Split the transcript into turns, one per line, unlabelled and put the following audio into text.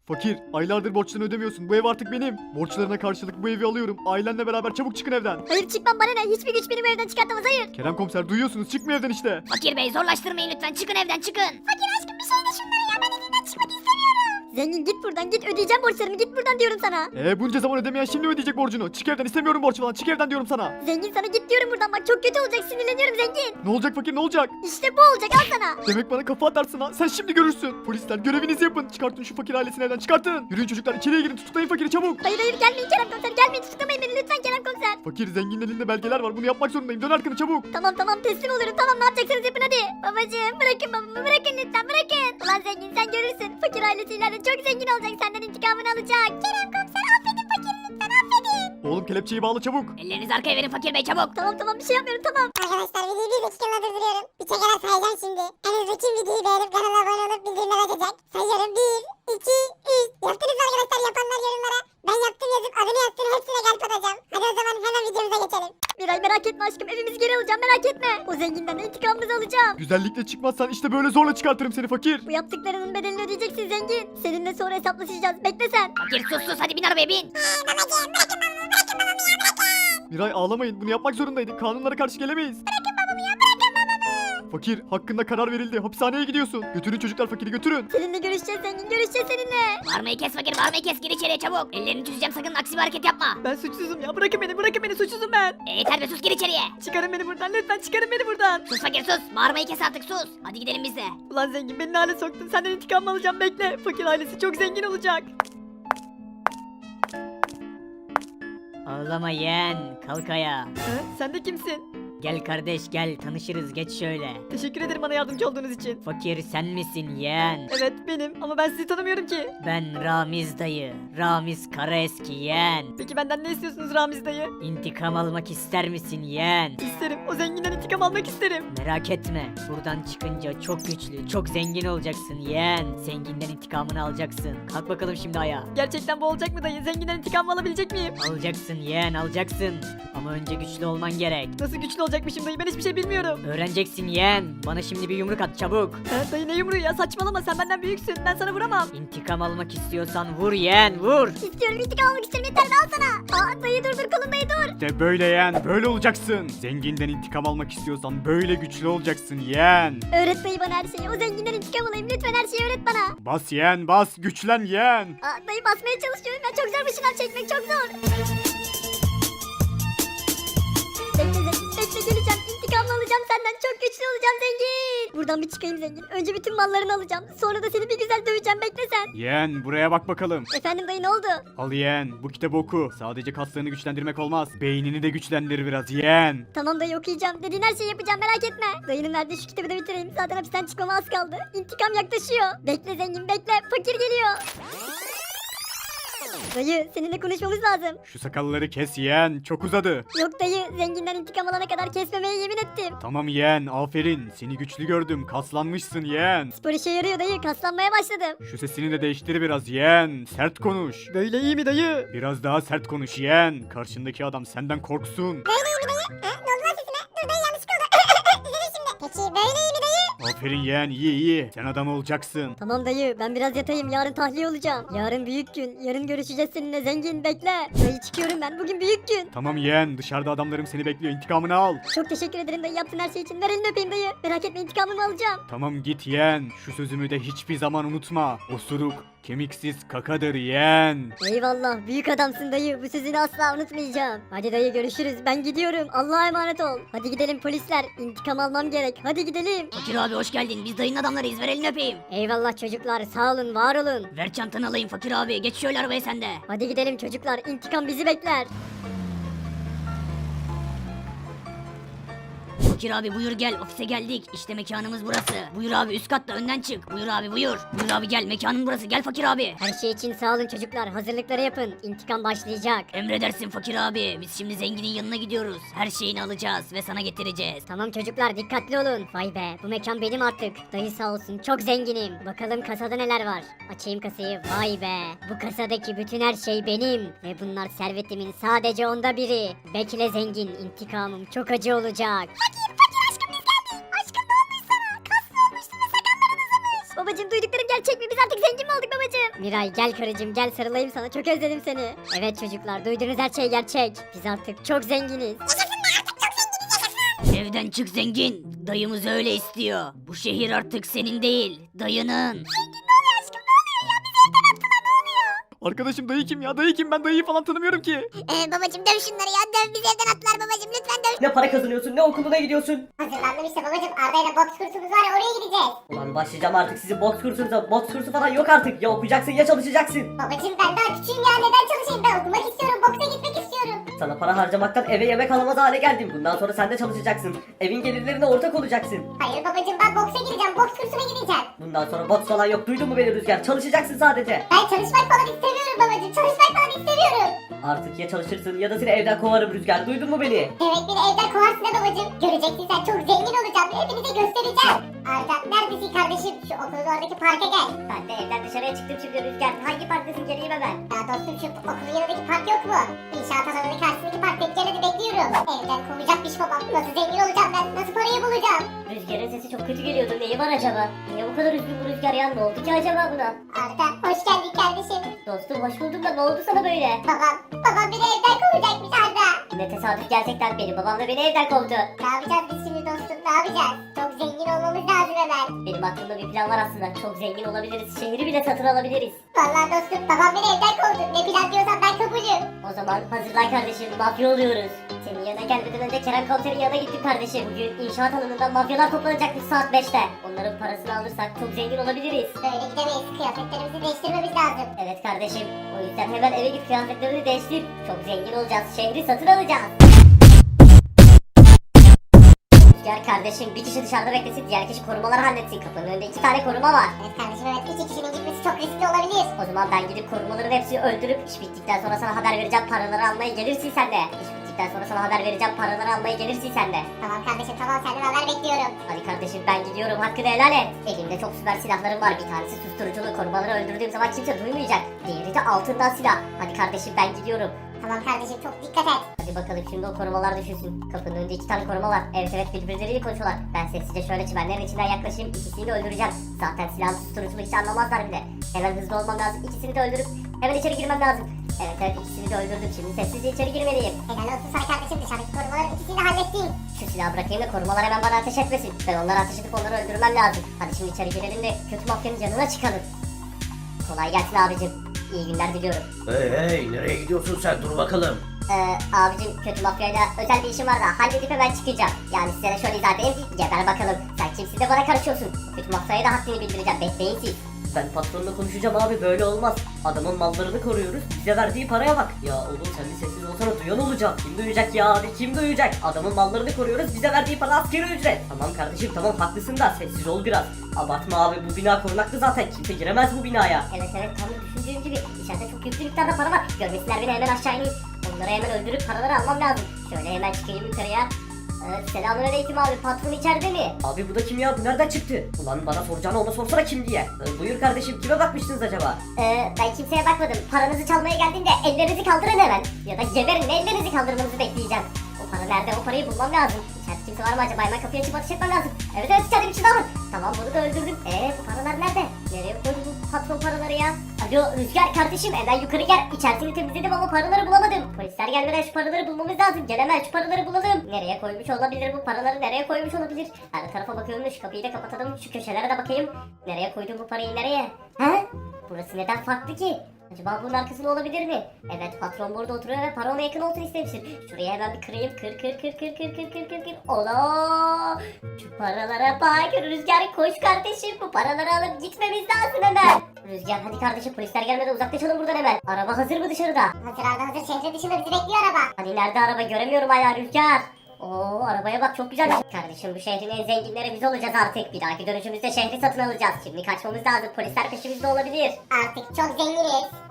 Fakir, aylardır borçlarını ödemiyorsun. Bu ev artık benim. Borçlarına karşılık bu evi alıyorum. Ailenle beraber çabuk çıkın evden.
Hayır çıkmam, bana ne? Hiçbir güç beni bu evden çıkartamaz, hayır.
Kerem komiser duyuyorsunuz, çıkmıyor evden işte.
Fakir bey zorlaştırmayın lütfen, çıkın evden çıkın.
Fakir aşkım bir şey de şunlara ya, ben evinden çıkmak istemiyorum. Zengin git buradan, git, ödeyeceğim borçlarımı, git buradan diyorum sana.
Bunca zaman ödemeyen şimdi mi ödeyecek borcunu? Çık evden, istemiyorum borç falan, çık evden diyorum sana.
Zengin sana git diyorum buradan, bak çok kötü olacak, sinirleniyorum zengin.
Ne olacak fakir, ne olacak?
İşte bu olacak, al sana.
Demek bana kafa atarsın ha, sen şimdi görürsün. Polisler görevinizi yapın, çıkartın şu fakir ailesini evden, çıkartın. Yürüyün çocuklar, içeriye girin, tutuklayın fakiri çabuk.
Hayır hayır, gelmeyin Kerem komiser, gelmeyin, tutuklamayın beni lütfen Kerem komiser.
Fakir, zenginin elinde belgeler var, bunu yapmak zorundayım, dön arkanı çabuk.
Tamam tamam, teslim oluyorum, tamam, ne yapacaksınız yapın hadi. Babacığım bırakın babamı, bırakın lütfen, bırakın. Ulan zengin, sen görürsün, fakir ailesi ileride çok zengin olacak, senden intikamını alacak. Kerem komiser affedin fakiri, lütfen affedin.
Oğlum kelepçeyi bağla çabuk.
Ellerinizi arkaya verin fakir bey, çabuk.
Tamam bir şey yapmıyorum, tamam.
Arkadaşlar videoyu bir dakikamla durduruyorum. Bir tekrar sayacağım şimdi. En hızlı kim videoyu beğenip kanala abone olup bildirimler açacak. Sayıyorum 1, 2, 3. Yaptınız mı arkadaşlar, yapanlar yorumlara. Ben yaptım yazıp adını yazsın, hepsine kalp atacağım. Hadi o zaman hemen videomuza geçelim.
Miray merak etme aşkım, evimizi geri alacağım, merak etme. O zenginden de intikamımızı alacağım.
Güzellikle çıkmazsan işte böyle zorla çıkartırım seni fakir.
Bu yaptıklarının bedelini ödeyeceksin zengin. Seninle sonra hesaplaşacağız, bekle sen.
Fakir sus hadi bin arabaya bin.
Babacığım bırakın babamı, bırakın babamı ya, bırakın.
Miray ağlamayın, bunu yapmak zorundaydık, kanunlara karşı gelemeyiz. Fakir, hakkında karar verildi, hapishaneye gidiyorsun. Götürün çocuklar fakiri, götürün.
Seninle görüşeceğiz zengin, görüşeceğiz seninle.
Bağırmayı kes fakir, bağırmayı kes, gir içeriye çabuk. Ellerini çözeceğim, sakın aksi bir hareket yapma.
Ben suçsuzum ya, bırakın beni suçsuzum ben.
Yeter be, sus, gir içeriye.
Çıkarın beni buradan, lütfen çıkarın beni buradan.
Sus fakir sus, bağırmayı kes artık, sus. Hadi gidelim biz de.
Ulan zengin, beni ne hale soktun, senden intikam alacağım, bekle. Fakir ailesi çok zengin olacak.
Ağlama yeğen, kalk ayağa.
Ha, sen de kimsin?
Gel kardeş gel, tanışırız, geç şöyle.
Teşekkür ederim bana yardımcı olduğunuz için.
Fakir sen misin yeğen?
Evet benim, ama ben sizi tanımıyorum ki.
Ben Ramiz dayı, Ramiz Karaeski yeğen.
Peki benden ne istiyorsunuz Ramiz dayı?
İntikam almak ister misin yeğen?
İsterim, o zenginden intikam almak isterim.
Merak etme, buradan çıkınca çok güçlü, çok zengin olacaksın yeğen. Zenginden intikamını alacaksın. Kalk bakalım şimdi ayağa.
Gerçekten bu olacak mı dayı? Zenginden intikam alabilecek miyim?
Alacaksın yeğen, alacaksın. Ama önce güçlü olman gerek.
Nasıl güçlü olacakmışım dayı, ben hiçbir şey bilmiyorum.
Öğreneceksin yeğen. Bana şimdi bir yumruk at çabuk.
Ha, dayı ne yumruğu ya, saçmalama, sen benden büyüksün, ben sana vuramam.
İntikam almak istiyorsan vur yeğen, vur.
İstiyorum, intikam almak istiyorum, yeter de al sana. Aa dayı dur kolum dayı dur.
İşte böyle yeğen, böyle olacaksın. Zenginden intikam almak istiyorsan böyle güçlü olacaksın yeğen.
Öğret dayı bana her şeyi, o zenginden intikam alayım, lütfen her şeyi öğret bana.
Bas yeğen, bas, güçlen yeğen.
Aa dayı basmaya çalışıyorum ya, çok zor bu şınav çekmek, çok zor. Bekle zengin, bekle geleceğim, intikamını alacağım senden, çok güçlü olacağım zengin. Buradan bir çıkayım zengin, önce bütün mallarını alacağım, sonra da seni bir güzel döveceğim, bekle sen.
Yeğen, buraya bak bakalım.
Efendim dayı, ne oldu?
Al yeğen, bu kitabı oku. Sadece kaslarını güçlendirmek olmaz. Beynini de güçlendir biraz yeğen.
Tamam dayı, okuyacağım, dediğin her şeyi yapacağım, merak etme. Dayının verdiği şu kitabı da bitireyim, zaten hapisten çıkmama az kaldı. İntikam yaklaşıyor. Bekle zengin, bekle, fakir geliyor. Dayı, seninle konuşmamız lazım.
Şu sakalları kes yeğen, çok uzadı.
Yok dayı, zenginden intikam alana kadar kesmemeye yemin ettim.
Tamam yeğen, aferin. Seni güçlü gördüm, kaslanmışsın yeğen.
Spor işe yarıyor dayı, kaslanmaya başladım.
Şu sesini de değiştir biraz yeğen. Sert konuş.
Böyle iyi mi dayı?
Biraz daha sert konuş yeğen. Karşındaki adam senden korksun.
Böyle iyi mi dayı? Ha, ne oldu lan sesime? Dur dayı, yanlışlık oldu. Düzelir şimdi. Peki böyle iyi mi dayı?
Aferin yeğen, iyi iyi. Sen adam olacaksın.
Tamam dayı, ben biraz yatayım, yarın tahliye olacağım. Yarın büyük gün, yarın görüşeceğiz seninle zengin, bekle. Dayı çıkıyorum ben, bugün büyük gün.
Tamam yeğen, dışarıda adamlarım seni bekliyor. İntikamını al.
Çok teşekkür ederim dayı, yaptığın her şey için. Ver elini öpeyim dayı. Merak etme, intikamımı alacağım.
Tamam git yeğen. Şu sözümü de hiçbir zaman unutma. Osuruk kemiksiz kakadır yeğen.
Eyvallah, büyük adamsın dayı, bu sözünü asla unutmayacağım. Hadi dayı, görüşürüz, ben gidiyorum, Allah'a emanet ol. Hadi gidelim polisler, intikam almam gerek, hadi gidelim.
Fakir abi hoş geldin, biz dayının adamlarıyız, ver elini öpeyim.
Eyvallah çocuklar, sağ olun, var olun.
Ver çantanı alayım fakir abi, geç şöyle arabaya sen de.
Hadi gidelim çocuklar, intikam bizi bekler.
Fakir abi buyur gel, ofise geldik. İşte mekanımız burası. Buyur abi, üst katta önden çık. Buyur abi buyur. Buyur abi gel, mekanın burası, gel fakir abi.
Her şey için sağ olun çocuklar, hazırlıkları yapın, intikam başlayacak.
Emredersin fakir abi. Biz şimdi zenginin yanına gidiyoruz. Her şeyini alacağız ve sana getireceğiz.
Tamam çocuklar, dikkatli olun. Vay be, bu mekan benim artık. Dayı sağ olsun, çok zenginim. Bakalım kasada neler var. Açayım kasayı, vay be. Bu kasadaki bütün her şey benim. Ve bunlar servetimin sadece onda biri. Bekle zengin, intikamım çok acı olacak. Fakir aşkım, biz geldik. Aşkım ne olmuş sana? Kaslı olmuşsun ve sakalların uzamış. babacığım duyduklarım gerçek mi? Biz artık zengin mi olduk babacığım? Miray gel karıcığım gel sarılayım sana çok özledim seni. Evet çocuklar duyduğunuz her şey gerçek. Biz artık çok zenginiz.
Evden çık zengin. Dayımız öyle istiyor. Bu şehir artık senin değil, dayının.
Arkadaşım dayı kim ya? Dayı kim? Ben dayıyı falan tanımıyorum ki.
Babacım döv şunları ya döv bizi evden attılar babacım lütfen döv.
Ne para kazanıyorsun ne okuluna gidiyorsun.
Hazırlandım işte babacım Arda ile boks kursumuz var ya oraya gideceğiz.
Ulan başlayacağım artık sizin boks kursunuza. Boks kursu falan yok artık. Ya okuyacaksın ya çalışacaksın.
Babacım ben daha küçüğüm ya neden çalışayım ben okumak istiyorum boksa gitmek istiyorum.
Sana para harcamaktan eve yemek alamaz hale geldim. Bundan sonra sen de çalışacaksın. Evin gelirlerine ortak olacaksın.
Hayır babacım ben boksa gideceğim boks kursuna gideceğim.
Bundan sonra boks falan yok. Duydun mu beni Rüzgar? Çalışacaksın sadece.
Ben çalışmak falan istemiyorum babacım çalışmak falan istemiyorum.
Artık ya çalışırsın ya da seni evden kovarım Rüzgar. Duydun mu beni?
Evet beni evden kovarsın ha babacım. Göreceksin sen çok zengin olacağım hepinize göstereceğim. Arda neredesin kardeşim şu okulun oradaki parka gel.
Ben de evden dışarıya çıktım şimdi Rüzgar. Hangi parktasın geleyim hemen.
Ya dostum şu okulun yanındaki park yok mu? İnşaat alanının karşısındaki park beklemedi bekliyorum. Evden kovacakmış babam. Nasıl zengin olacağım ben? Nasıl parayı bulacağım?
Rüzgar'ın sesi çok kötü geliyordu. Neyi var acaba? Niye bu kadar üzgün bu Rüzgar ya? Ne oldu ki acaba buna?
Arda hoş geldin kardeşim.
Dostum hoş buldum da ne oldu sana böyle?
Babam beni evden kovacakmış Arda.
Ne tesadüf gerçekten benim babam da beni evden kovdu.
Ne yapacağız biz şimdi dostum ne yapacağız? Çok zengin olmamız lazım hemen.
Benim aklımda bir plan var aslında. Çok zengin olabiliriz. Şehri bile satın alabiliriz.
Vallahi dostum babam beni evden kovdu. Ne plan diyorsan ben kabulüm.
O zaman hazırlan kardeşim. Mafya oluyoruz. Senin yanına gelmeden önce Kerem Komiser'in yanına gittim kardeşim. Bugün inşaat alanında mafyalar toplanacakmış saat 5'te. Onların parasını alırsak çok zengin olabiliriz.
Böyle gidemeyiz. Kıyafetlerimizi değiştirmemiz lazım.
Evet kardeşim. O yüzden hemen eve git kıyafetlerini değiştir. Çok zengin olacağız. Şehri satın alacağız. Gel kardeşim bir kişi dışarıda beklesin, diğer kişi korumaları halletsin. Kapının önünde 2 tane koruma var.
Evet kardeşim evet iki kişinin gitmesi çok riskli olabilir.
O zaman ben gidip korumaların hepsini öldürüp iş bittikten sonra sana haber vereceğim, paraları almaya gelirsin sen de. İş bittikten sonra sana haber vereceğim, paraları almaya gelirsin sen de.
Tamam kardeşim tamam senden haber bekliyorum.
Hadi kardeşim ben gidiyorum, hakkını helal et. Elimde çok süper silahlarım var. Bir tanesi susturuculu, korumaları öldürdüğüm zaman kimse duymayacak. Diğeri de altından silah. Hadi kardeşim ben gidiyorum.
Tamam kardeşim çok dikkat et.
Hadi bakalım şimdi o korumalar düşünsün. Kapının önünde 2 tane koruma var. Evet birbirleriyle konuşuyorlar. Ben sessizce şöyle çimenlerin içinden yaklaşayım. İkisini de öldüreceğim. Zaten silahlı susturuculu hiç anlamazlar bile. Hemen hızlı olmam lazım. İkisini de öldürüp hemen içeri girmem lazım. Evet ikisini de öldürdüm. Şimdi sessizce içeri girmeliyim.
Helal olsun sana kardeşim dışarıdaki korumaların ikisini de hallettim.
Şu silahı bırakayım da korumalar hemen bana ateş etmesin. Ben onlara ateş edip onları öldürmem lazım. Hadi şimdi içeri girelim de kötü mafyanın canına çıkalım. Kolay gelsin abicim. İyi günler diliyorum.
Hey nereye gidiyorsun sen dur bakalım.
Abicim kötü mafyayla özel bir işim var da halledip hemen çıkacağım. Yani size de şöyle izah edeyim. Geber bakalım. Sen kimsin de bana karışıyorsun. Kötü mafyaya da haddini bildireceğim. Bekleyin siz.
Ben patronla konuşacağım abi böyle olmaz. Adamın mallarını koruyoruz. Bize verdiği paraya bak. Ya oğlum sen bir sessiz olsana duyan olacak. Kim duyacak ya abi kim duyacak? Adamın mallarını koruyoruz. Bize verdiği para askeri ücret. Tamam kardeşim tamam haklısın da sessiz ol biraz. Abartma abi bu bina korunaklı zaten. Kimse giremez bu binaya.
Evet tam da düşündüğüm gibi. İçeride çok yüklü miktarda para var. Görmesinler beni hemen aşağı ineyim. Onları hemen öldürüp paraları almam lazım. Şöyle hemen çıkayım yukarıya. Selamünaleyküm abi, patron içeride mi?
Abi bu da kim ya? Bu nereden çıktı? Ulan bana soracağını ona sorsana kim diye. Buyur kardeşim kime bakmıştınız acaba?
Ben kimseye bakmadım. Paranızı çalmaya geldiğinde ellerinizi kaldırın hemen. Ya da geberin ellerinizi kaldırmanızı bekleyeceğim. O para nerede? O parayı bulmam lazım. İçeride kimse var mı acaba? Hemen kapıyı açıp ateş etmem lazım. Evet içeride bir şey daha var. Tamam bunu da öldürdüm. Bu paralar nerede? Nereye koydu bu patron paraları ya? Alo Rüzgar kardeşim hemen yukarı gel. İçerisini temizledim ama paraları bulamadım. Polisler gelmeden şu paraları bulmamız lazım. Gel hemen şu paraları bulalım. Nereye koymuş olabilir bu paraları? Nereye koymuş olabilir? Her tarafa bakıyorum da şu kapıyı da kapatalım. Şu köşelere de bakayım. Nereye koydum bu parayı nereye? He? Burası neden farklı ki? Acaba bunun arkasında olabilir mi? Evet patron burada oturuyor ve para ona yakın olsun istemiştir. Şuraya hemen bir kırayım. Kır. Ola! Şu paralara bak. Rüzgar koş kardeşim. Bu paraları alıp gitmemiz lazım hemen. Rüzgar hadi kardeşim polisler gelmeden uzaklaşalım buradan hemen. Araba hazır mı dışarıda?
Hazır Arda hazır şehrin dışında bizi bekliyor araba.
Hani nerede araba göremiyorum hala Rüzgar. Oo arabaya bak çok güzel. Kardeşim bu şehrin en zenginleri biz olacağız artık. Bir dahaki dönüşümüzde şehri satın alacağız. Şimdi kaçmamız lazım. Polisler peşimizde olabilir.
Artık çok zenginiz.